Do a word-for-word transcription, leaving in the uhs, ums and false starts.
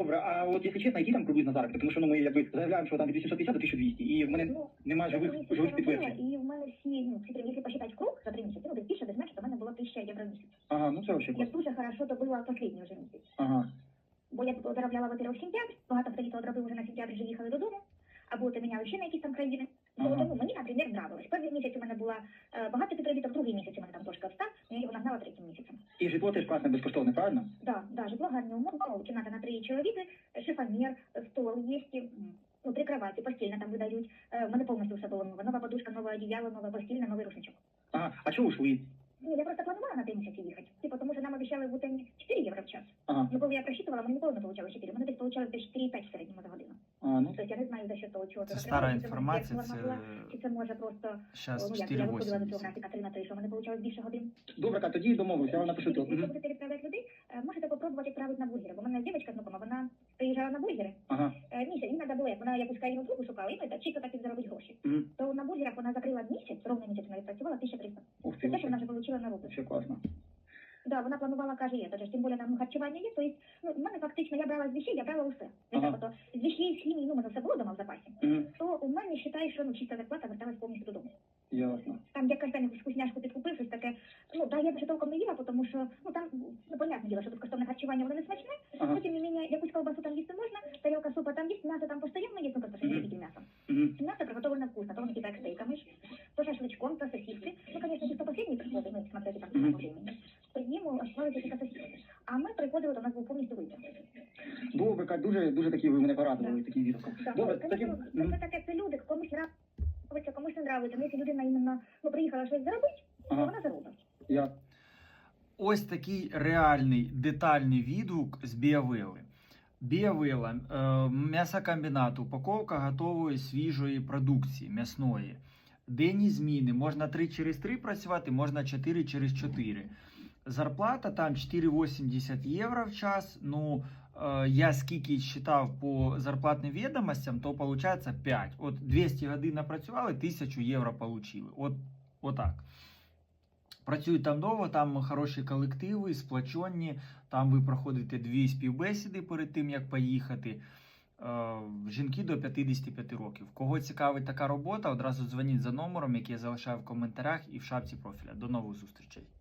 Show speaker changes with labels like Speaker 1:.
Speaker 1: Добре, а от якщо чесно, які там приблизно заробіток? Тому що ну, ми якби заявляємо, що там від вісімсот п'ятдесят до тисяча двісті, і в мене
Speaker 2: Ну,
Speaker 1: немає живих,
Speaker 2: місяці
Speaker 1: живих
Speaker 2: я
Speaker 1: підтверджень.
Speaker 2: робила, і в мене всі, ну, всі, якщо посчитати круг за три місяці, ну, десь більше, десь менше, то в мене було тисяча євро в місяць.
Speaker 1: Ага, ну це взагалі
Speaker 2: Я
Speaker 1: класно.
Speaker 2: дуже хорошо добила останній вже місяць.
Speaker 1: Ага.
Speaker 2: Бо я тут заробляла, во-первых, сентябрь, багато хто літо одробив вже на сентябрь, вже їхали додому, або то міняли ще на якісь там країни.
Speaker 1: Ага.
Speaker 2: Тому мені, наприклад, нравилось. Перший місяць у мене була е, багато підробіток, другий місяць у мене там трошки обстав, я його нагнала третім місяцем.
Speaker 1: І житло теж класне, безкоштовне, правильно?
Speaker 2: Да, да, житло гарні умови, ну, кімната на три чоловіки, шифонер, стол є, ну, три кровати, постільна там видають. Е, в мене повністю все було нове. Нова подушка, нове одіяло, нове постільне, новий рушничок.
Speaker 1: Ага, а чого ушли?
Speaker 2: Ні, я просто планувала на три місяці їхати. Типу, тому що нам обіцяли в Утені чотири євро в час.
Speaker 1: Ага.
Speaker 2: Ну, коли я просчитувала, мені ніколи не получалось чотири. Мене десь получалось десь чотири і п'ять в середньому за годину.
Speaker 1: А, ну,
Speaker 2: Тобто я не знаю, за що того, чого
Speaker 3: Це
Speaker 2: це
Speaker 3: стара
Speaker 2: закривалося, чи це
Speaker 3: інформація,
Speaker 2: норма
Speaker 3: це
Speaker 2: була, чи це може просто,
Speaker 3: зараз
Speaker 2: ну, як я виходила до цього графіка три на три, що в мене получалось більше годин.
Speaker 1: добре, Кать, тоді домовилися, я вам напишу то.
Speaker 2: Якщо
Speaker 1: Мгм.
Speaker 2: будете відправляти людей, е, можете попробувати відправити на бургери. Бо в мене дівчинка знакома, вона приїжджала на бургери.
Speaker 1: Ага.
Speaker 2: Е, Місяць, їй треба було, як вона якусь країну другу шукала, і ну, чисто так і заробить гроші.
Speaker 1: Мгм.
Speaker 2: То на бургерах вона закрила місяць, ровно місяць вона відпрацювала тисяча триста.
Speaker 1: Ух
Speaker 2: Це
Speaker 1: ти,
Speaker 2: те, що вона
Speaker 1: вообще,
Speaker 2: вже отримала на руку.
Speaker 1: вообще класно.
Speaker 2: Да, вона планувала, каже, є, тож, тим більше там харчування є, то есть, ну, в мене фактично, я брала з вещей, я брала усе.
Speaker 1: Ага.
Speaker 2: Ага. То, з вещей, з хімії, ну, в мене все було дома в запасі.
Speaker 1: Мгм.
Speaker 2: То у мене, вважаю, що, ну, чиста зарплата верталась повністю додому.
Speaker 1: Ясно.
Speaker 2: Там я кожен день вкусняшку підкупив, щось таке, ну, да, я вже толком не їла, тому що, ну, там, ну, понятне діло, що безкоштовне харчування, воно не смачне,
Speaker 1: Ага.
Speaker 2: но, тим не менее, якусь колбасу там їсти можна, тарілка супа там є, м'ясо там постійно є, ну, просто що
Speaker 1: Мгм.
Speaker 2: не тільки м'ясо.
Speaker 1: Мгм.
Speaker 2: Мясо приготовлено вкусно, то он типа стейками, то шашлычком, то сосиски. Ну, конечно, чисто последние приходы, ну, смотрите, как
Speaker 1: Мгм.
Speaker 2: по времени. То ему оставили только сосиски. А мы приходили, то у нас был повністю вибір.
Speaker 1: Добре, Кать, дуже, дуже такі ви мене порадували,
Speaker 2: Да.
Speaker 1: таким відгуком.
Speaker 2: Да,
Speaker 1: Добре,
Speaker 2: ну,
Speaker 1: таким...
Speaker 2: конечно,
Speaker 1: Мгм.
Speaker 2: це таке, це люди, комусь нравиться, комусь не нравиться. Ну, якщо людина іменно, ну, приїхала щось заробити, то
Speaker 1: Ага.
Speaker 2: вона заробить.
Speaker 1: Я...
Speaker 3: Ось такий реальний детальний відгук з Біавели. Біавела, е, м'ясокомбінат, упаковка готової свіжої продукції м'ясної. Денні зміни, можна три через три працювати, можна чотири через чотири. Зарплата там чотири вісімдесят євро в час. Ну, е, я скільки читав по зарплатним відомостям, то виходить п'ять. От двісті годин напрацювали, тисячу євро отримали. От, отак. Працюють там довго, там хороші колективи, сплачені, там ви проходите дві співбесіди перед тим, як поїхати. Е, Жінки до п'ятдесят п'ять років. Кого цікавить така робота, одразу дзвоніть за номером, який я залишаю в коментарях і в шапці профіля. До нових зустрічей.